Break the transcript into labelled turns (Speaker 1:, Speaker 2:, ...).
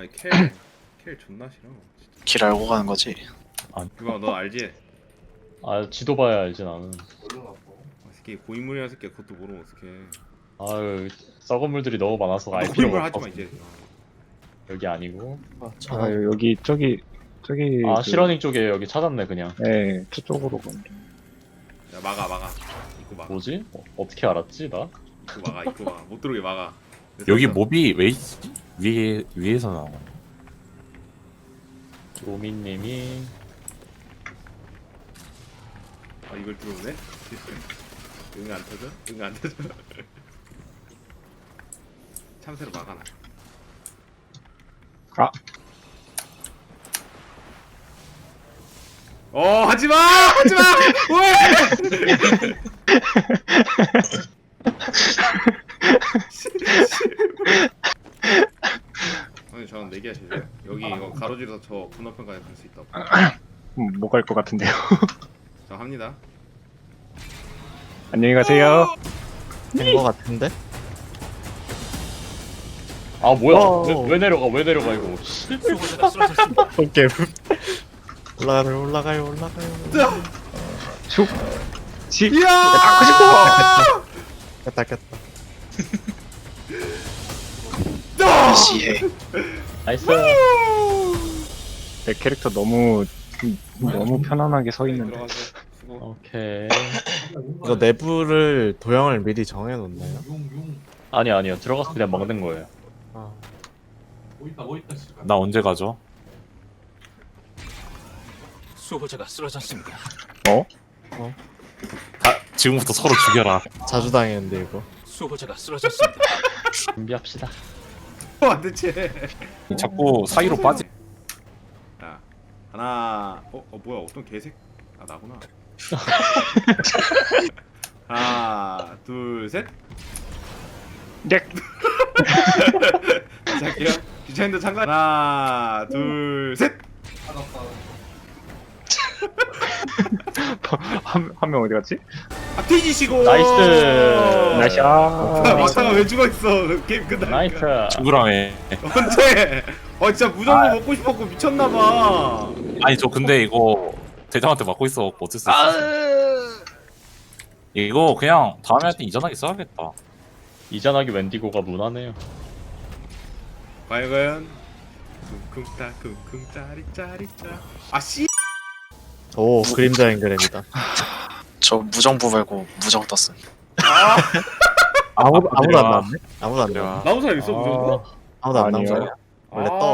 Speaker 1: 아니 켈 존나 싫어 진짜.
Speaker 2: 길 알고 가는 거지.
Speaker 1: 그거 너 알지?
Speaker 3: 아 지도 봐야 알지 나는.
Speaker 1: 새끼 고인물이야 새끼 그것도 모르면 어떡해.
Speaker 3: 아유 썩은 물들이 너무 많아서 알 필요가
Speaker 1: 고인물
Speaker 3: 없어.
Speaker 1: 하지마 이제.
Speaker 3: 여기 아니고.
Speaker 4: 아 여기 저기
Speaker 3: 아
Speaker 4: 그,
Speaker 3: 실러닝 쪽에 여기 찾았네 그냥.
Speaker 4: 네 저쪽으로 가면
Speaker 1: 야 막아 입구 막아.
Speaker 3: 뭐지? 어떻게 알았지 나?
Speaker 1: 입구 막아 못 들어오게 막아.
Speaker 5: 여기 몹이 왜 있지? 위에서 나와.
Speaker 3: 로미님이
Speaker 1: 아 이걸 들어오네? 응 안 터져? 응 안 터져? 참새로 막아놔.
Speaker 4: 아.
Speaker 1: 하지마! 하지마! 왜! 아니 저는 내기야 제일 여기 이거 가로지르서 저 건너편까지 갈 수 있다고.
Speaker 4: 못 갈 것 같은데요.
Speaker 1: 저 합니다.
Speaker 4: 안녕히 가세요.
Speaker 6: 된 거 같은데?
Speaker 3: 아 뭐야?
Speaker 6: 어.
Speaker 3: 왜 내려가 이거? 씨.
Speaker 6: 오케이. 올라가요.
Speaker 4: 슉. 시.
Speaker 1: 이야!
Speaker 4: 닦고 싶어.
Speaker 6: 깼다.
Speaker 2: 시해.
Speaker 3: 나이스.
Speaker 4: 내 캐릭터 너무 편안하게 서 있는데.
Speaker 1: 들어가서 수고.
Speaker 3: 오케이.
Speaker 6: 이거 내부를 도형을 미리 정해놓나요?
Speaker 3: 아니요 들어가서 그냥 막는 거예요.
Speaker 6: 아,
Speaker 5: 나 언제 가죠?
Speaker 7: 수호자가 쓰러졌습니다.
Speaker 5: 다 지금부터 서로 죽여라.
Speaker 6: 자주 당했는데 이거.
Speaker 7: 수호자가 쓰러졌습니다.
Speaker 3: 준비합시다.
Speaker 1: 안 대체.
Speaker 5: 자꾸 사이로 빠지.
Speaker 1: 자 하나. 뭐야 어떤 개색? 아 나구나. 하나 둘 셋.
Speaker 4: 네.
Speaker 1: 다시 할게요. 귀찮은데 잠깐. 하나 둘 셋.
Speaker 4: 한 명 어디 갔지?
Speaker 1: 아 뒤지시고.
Speaker 3: 나이스.
Speaker 4: 나이스.
Speaker 1: 막다가 왜 죽어 있어? 게임
Speaker 3: 나이스.
Speaker 1: 끝나니까.
Speaker 5: 죽으라며.
Speaker 1: 언제? 진짜 무전거 먹고 싶었고 미쳤나봐.
Speaker 5: 아니 저 근데 이거 대장한테 맞고 있어. 어쩔 수 없어. 이거 그냥 다음에 할 때 이전하게 써야겠다.
Speaker 3: 이전하기 웬디고가 무난해요.
Speaker 1: 과연 쿵쿵따 쿵쿵 짜리짜리짜. 씨.
Speaker 6: 오, 그림자 연결입니다.
Speaker 2: 저 무정부 말고 무정 떴음.
Speaker 6: 아무도 안
Speaker 5: 내려와.
Speaker 6: 나왔네? 아무도 안 나왔네?
Speaker 5: 내려와.
Speaker 1: 나온 사람 있어 무전거?
Speaker 6: 아무도 안
Speaker 4: 아니요.
Speaker 6: 나왔어요? 원래 떠.